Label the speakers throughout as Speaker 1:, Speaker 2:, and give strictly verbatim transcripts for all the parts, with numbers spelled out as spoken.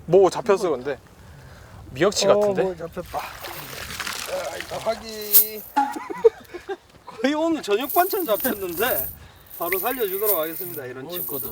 Speaker 1: 뭐 잡혔어 근데? 미역치 같은데?
Speaker 2: 어, 뭐 잡혔다. 자, 일단 확인. 거의 오늘 저녁 반찬 잡혔는데 바로 살려주도록 하겠습니다. 이런 친구들.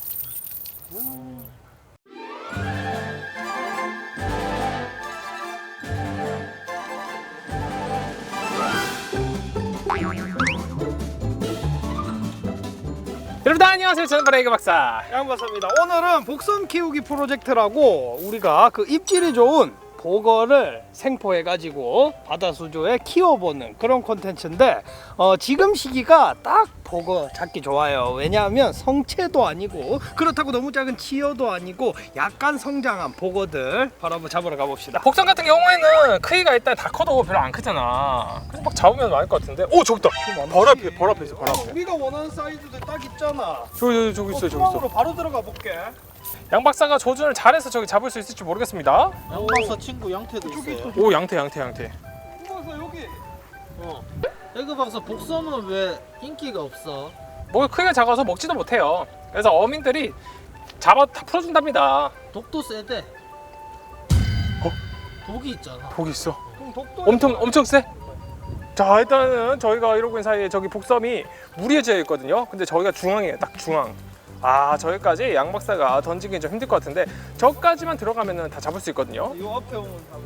Speaker 1: 여러분 안녕하세요. 저는 바로 에그 박사.
Speaker 2: 양박사입니다. 오늘은 복선 키우기 프로젝트라고 우리가 그 입질이 좋은 보거를 생포해가지고 바다 수조에 키워보는 그런 콘텐츠인데 어, 지금 시기가 딱 보거 잡기 좋아요. 왜냐하면 성체도 아니고 그렇다고 너무 작은 치어도 아니고 약간 성장한 보거들 바로 한번 잡으러 가봅시다.
Speaker 1: 복선 같은 경우에는 크기가 일단 다 커도 별로 안 크잖아. 그래서 막 잡으면 많을 것 같은데. 오 저기 있다. 바로 앞에 바로 앞에 있어. 바로 앞에.
Speaker 2: 우리가 원하는 사이즈들 딱 있잖아.
Speaker 1: 저기 저기 저기 있어. 저기
Speaker 2: 투망으로
Speaker 1: 있어.
Speaker 2: 바로 들어가 볼게.
Speaker 1: 양 박사가 조준을 잘해서 저기 잡을 수 있을지 모르겠습니다.
Speaker 3: 양박사 친구 양태도 있어요.
Speaker 1: 오 양태 양태 양태.
Speaker 2: 투망사 여기.
Speaker 3: 어. 에그 박사 복섬은 왜 인기가 없어?
Speaker 1: 뭐 크기가 작아서 먹지도 못해요. 그래서 어민들이 잡아 다 풀어준답니다.
Speaker 3: 독도 세대.
Speaker 1: 어?
Speaker 3: 독이 있잖아.
Speaker 1: 독이 있어.
Speaker 2: 그럼 독도
Speaker 1: 엄청 엄청 세. 자 일단은 저희가 이러고 있는 사이에 저기 복섬이 무리에 지어 있거든요. 근데 저희가 중앙이에요. 딱 중앙. 아 저기까지 양 박사가 던지기 좀 힘들 것 같은데 저까지만 들어가면은 다 잡을 수 있거든요.
Speaker 2: 요 앞에 오면 잡을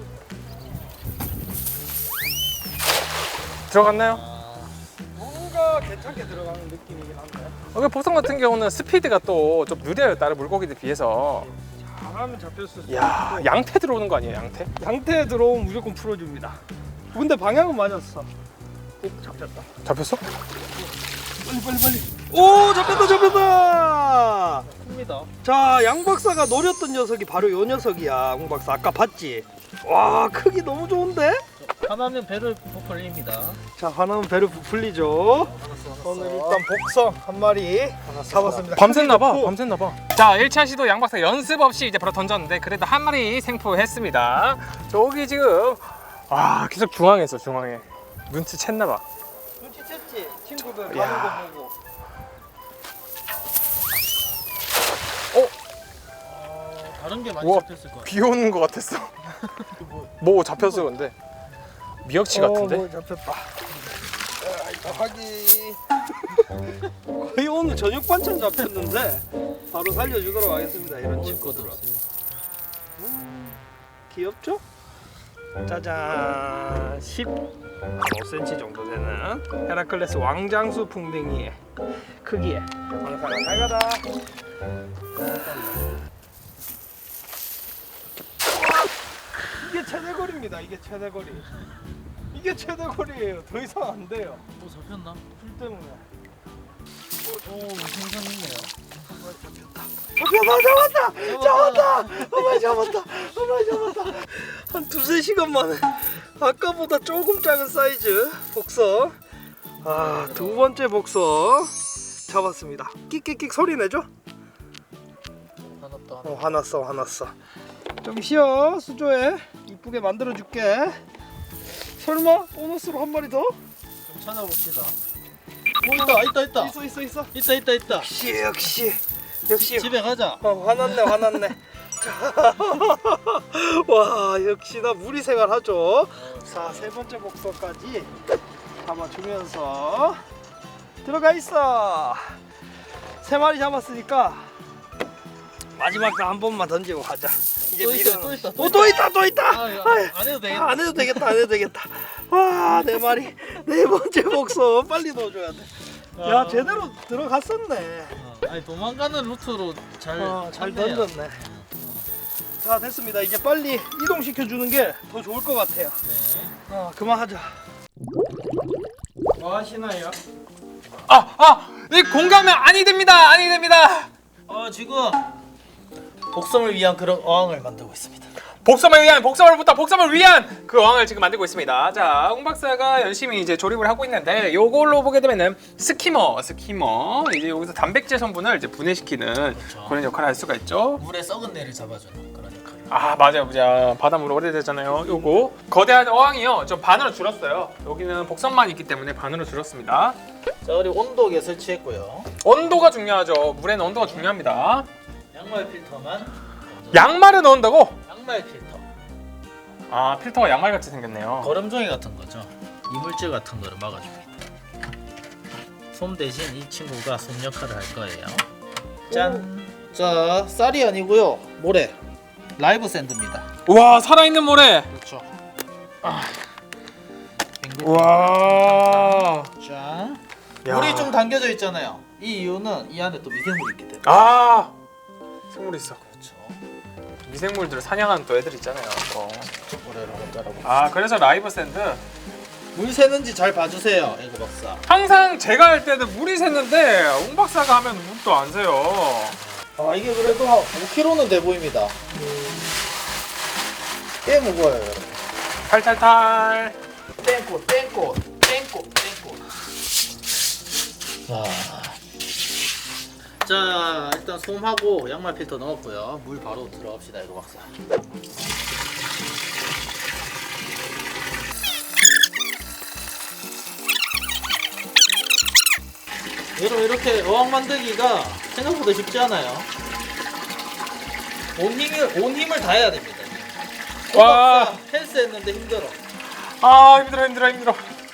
Speaker 1: 들어갔나요?
Speaker 3: 아,
Speaker 2: 뭔가 괜찮게 들어가는 느낌이긴 한데
Speaker 1: 여기 복섬 같은 경우는 스피드가 또 좀 느려요. 다른 물고기들 비해서.
Speaker 2: 잘하면 잡혔을 수
Speaker 1: 야
Speaker 2: 있고
Speaker 1: 양태 들어오는 거 아니에요? 양태?
Speaker 2: 양태에 들어오면 무조건 풀어줍니다. 근데 방향은 맞았어. 오, 잡혔다.
Speaker 1: 잡혔어?
Speaker 2: 빨리 빨리 빨리. 오 잡혔다 잡혔다.
Speaker 3: 큽니다.
Speaker 2: 자 양박사가 노렸던 녀석이 바로 요 녀석이야. 홍박사 아까 봤지? 와 크기 너무 좋은데?
Speaker 3: 하나는 배를 부풀립니다.
Speaker 2: 자 하나는 배를 부풀리죠.
Speaker 3: 알았어,
Speaker 2: 오늘 일단 복성 한 마리 잡았습니다.
Speaker 1: 밤샜나봐.
Speaker 2: 크기 좋고.
Speaker 1: 밤샜나봐. 자 일 차 시도 양 박사 연습 없이 이제 바로 던졌는데 그래도 한 마리 생포했습니다. 저기 지금 아 계속 중앙에 있어 중앙에. 눈치 챘나봐.
Speaker 2: 눈치챘지? 친구들
Speaker 1: 야.
Speaker 2: 가는 거 보고.
Speaker 3: 어, 다른 게 많이
Speaker 1: 우와.
Speaker 3: 잡혔을 거야.
Speaker 1: 비 오는 거 같았어. 뭐 잡혔어 근데? 미역치 같은데?
Speaker 2: 어, 뭐 잡혔다. 자, 일단 확인. 거의 오늘 저녁 반찬 잡혔는데 바로 살려주도록 하겠습니다. 이런
Speaker 3: 먹을 것도
Speaker 2: 친구들.
Speaker 3: 없어요.
Speaker 2: 귀엽죠? 짜잔. 십오 센티미터 정도 되는 헤라클레스 왕장수 풍뎅이의 크기에 왕사가 잘 가다. 이게 최대거리입니다. 이게 최대거리. 이게 최대거리예요. 더 이상 안 돼요.
Speaker 3: 뭐 잡혔나?
Speaker 2: 풀 때문에.
Speaker 3: 오, 생선 있네요.
Speaker 2: 잡혔다, 잡았다, 잡았다, 한 마리 잡았다, 한 마리 잡았다. 한 두세 시간 만에 아까보다 조금 작은 사이즈 복서. 아, 두 번째 복서 잡았습니다. 끽끽끽 소리 내죠?
Speaker 3: 하나 또 하나.
Speaker 2: 어, 화났어, 화났어. 좀 쉬어, 수조에 이쁘게 만들어 줄게. 설마 보너스로 한 마리 더?
Speaker 3: 좀 찾아봅시다. 오, 있다, 있다, 있다.
Speaker 2: 있어, 있어, 있어.
Speaker 3: 있다, 있다, 있다.
Speaker 2: 역시, 역시, 역시.
Speaker 3: 집에 가자.
Speaker 2: 어, 화났네, 화났네. 자, 와, 역시나 무리 생활하죠. 자, 세 번째 복서까지 잡아주면서 들어가 있어. 세 마리 잡았으니까 마지막 한 번만 던지고 가자. 이제
Speaker 3: 또 있어,
Speaker 2: 미련은-
Speaker 3: 또 있다, 또
Speaker 2: 어, 또 있다, 또 있다.
Speaker 3: 아, 이거
Speaker 2: 아이,
Speaker 3: 안 해도 되겠다.
Speaker 2: 아, 안 해도 되겠다, 안 해도 되겠다. 와, 네 마리, 네 번째 복서 빨리 넣어줘야 돼. 야,
Speaker 3: 아.
Speaker 2: 제대로 들어갔었네.
Speaker 3: 어, 아니 도망가는 루트로 잘,
Speaker 2: 어, 잘
Speaker 3: 쳤네요.
Speaker 2: 던졌네. 자, 됐습니다. 이제 빨리 이동시켜 주는 게 더 좋을 것 같아요.
Speaker 3: 네.
Speaker 2: 어, 그만하자. 뭐 하시나요?
Speaker 1: 아! 아! 이 공감은 아니 됩니다! 아니 됩니다!
Speaker 3: 어 지금 복섬을 위한 그런 어항을 만들고 있습니다.
Speaker 1: 복섬을 위한 복섬을부터 복섬을 위한 그 어항을 지금 만들고 있습니다. 자, 홍 박사가 열심히 이제 조립을 하고 있는데 요걸로 보게 되면은 스키머, 스키머 이제 여기서 단백질 성분을 이제 분해시키는
Speaker 3: 그렇죠.
Speaker 1: 그런 역할을 할 수가 있죠.
Speaker 3: 물에 썩은 내를 잡아주는 그런 역할을.
Speaker 1: 아 맞아요, 맞아. 바닷물 오래되잖아요. 요거 거대한 어항이요, 좀 반으로 줄었어요. 여기는 복섬만 있기 때문에 반으로 줄었습니다.
Speaker 3: 자 그리고 온도계 설치했고요.
Speaker 1: 온도가 중요하죠. 물에는 온도가 중요합니다.
Speaker 3: 양말 필터만
Speaker 1: 양말을 넣는다고?
Speaker 3: 양말 필터.
Speaker 1: 아 필터가 양말같이 생겼네요.
Speaker 3: 거름종이 같은 거죠. 이물질 같은 거를 막아줍니다. 솜 대신 이 친구가 솜 역할을 할 거예요. 짠. 자, 쌀이 아니고요. 모래. 라이브 샌드입니다.
Speaker 1: 우와 살아있는 모래.
Speaker 3: 그렇죠.
Speaker 1: 우와.
Speaker 3: 자,
Speaker 1: 야.
Speaker 3: 물이 좀 담겨져 있잖아요. 이 이유는 이 안에 또 미생물이 있기 때문에.
Speaker 1: 아 생물 있어.
Speaker 3: 그렇죠.
Speaker 1: 미생물들 사냥하는 또 애들 있잖아요. 또.
Speaker 3: 모래를 한번 따라볼게요.
Speaker 1: 아 그래서 라이브 샌드.
Speaker 3: 물 새는지 잘 봐주세요, 에그 박사.
Speaker 1: 항상 제가 할 때는 물이 샜는데 옹 박사가 하면 물도 안 새요.
Speaker 3: 아, 이게 그래도 한 오 킬로그램는 돼 보입니다. 꽤 무거워요, 여러분.
Speaker 1: 탈탈탈.
Speaker 3: 땡꽃, 땡꽃, 땡꽃, 땡꽃. 와. 자, 일단 솜하고 양말 필터 넣었고요. 물 바로 들어갑시다, 에그 박사. 여러분 이렇게 어항 만들기가 생각보다 쉽지 않아요. 온 힘을 온 힘을 다 해야 됩니다.
Speaker 1: 와.
Speaker 3: 와 헬스 했는데 힘들어.
Speaker 1: 아 힘들어 힘들어 힘들어.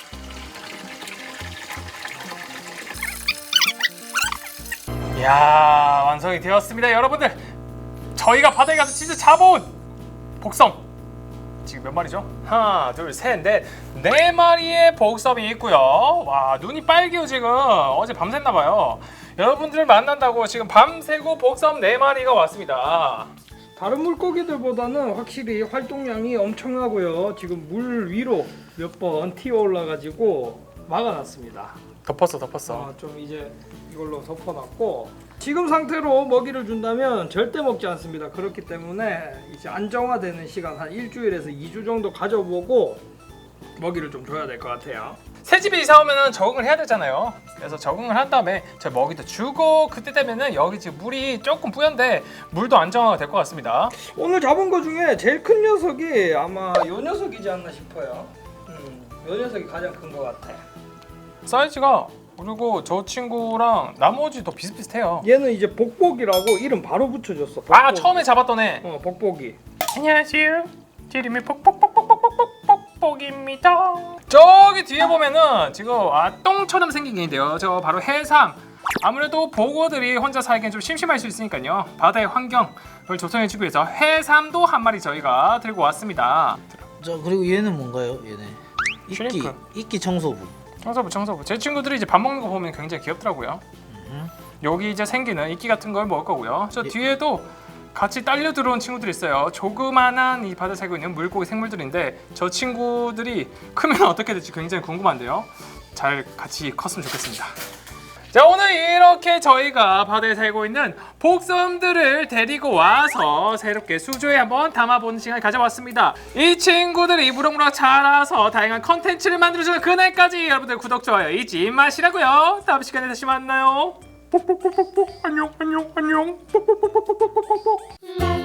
Speaker 1: 이야 완성이 되었습니다 여러분들. 저희가 바다에 가서 진짜 잡아온 복섬 지금 몇 마리죠? 하나 둘셋넷 네 마리의 복섬이 있고요. 와 눈이 빨개요 지금. 어제 밤샜나봐요. 여러분들을 만난다고 지금 밤새고 복섬 네 마리가 왔습니다.
Speaker 2: 다른 물고기들보다는 확실히 활동량이 엄청나고요. 지금 물 위로 몇 번 튀어 올라가지고 막아놨습니다.
Speaker 1: 덮었어 덮었어.
Speaker 2: 아, 좀 이제 이걸로 덮어놨고 지금 상태로 먹이를 준다면 절대 먹지 않습니다. 그렇기 때문에 이제 안정화되는 시간 한 일주일에서 이 주 정도 가져보고 먹이를 좀 줘야 될 것 같아요.
Speaker 1: 새 집에 이사 오면은 적응을 해야 되잖아요. 그래서 적응을 한 다음에 저 먹이도 주고 그때 되면은 여기 지금 물이 조금 뿌연데 물도 안정화가 될 것 같습니다.
Speaker 2: 오늘 잡은 거 중에 제일 큰 녀석이 아마 요 녀석이지 않나 싶어요. 음, 요 녀석이 가장 큰 것 같아.
Speaker 1: 사이즈가 그리고 저 친구랑 나머지도 비슷비슷해요.
Speaker 2: 얘는 이제 복복이라고 이름 바로 붙여줬어. 복복이.
Speaker 1: 아 처음에 잡았던 애.
Speaker 2: 어 복복이.
Speaker 1: 안녕하세요. 제 이름이 복복복복복복복복입니다. 저기 뒤에 보면은 지금 아 똥처럼 생긴 게 있는데요. 저 바로 해삼. 아무래도 보고들이 혼자 살기엔 좀 심심할 수 있으니까요. 바다의 환경을 조성해주기 위해서 해삼도 한 마리 저희가 들고 왔습니다.
Speaker 3: 자 그리고 얘는 뭔가요? 얘네 이끼
Speaker 1: 슈림프.
Speaker 3: 이끼 청소부.
Speaker 1: 청소부 청소부. 제 친구들이 이제 밥 먹는 거 보면 굉장히 귀엽더라고요.
Speaker 3: 음.
Speaker 1: 여기 이제 생기는 이끼 같은 걸 먹을 거고요. 저
Speaker 3: 예.
Speaker 1: 뒤에도 같이 딸려 들어온 친구들이 있어요. 조그만한 이 바다에 살고 있는 물고기 생물들인데 저 친구들이 크면 어떻게 될지 굉장히 궁금한데요. 잘 같이 컸으면 좋겠습니다. 자 오늘 이렇게 저희가 바다에 살고 있는 복섬들을 데리고 와서 새롭게 수조에 한번 담아보는 시간을 가져왔습니다. 이 친구들이 무럭무럭 자라서 다양한 컨텐츠를 만들어주는 그날까지 여러분들 구독, 좋아요 잊지 마시라고요. 다음 시간에 다시 만나요. 뽁뽁뽁뽁뽁 안녕 안녕 안녕 뽁뽁뽁뽁뽁뽁.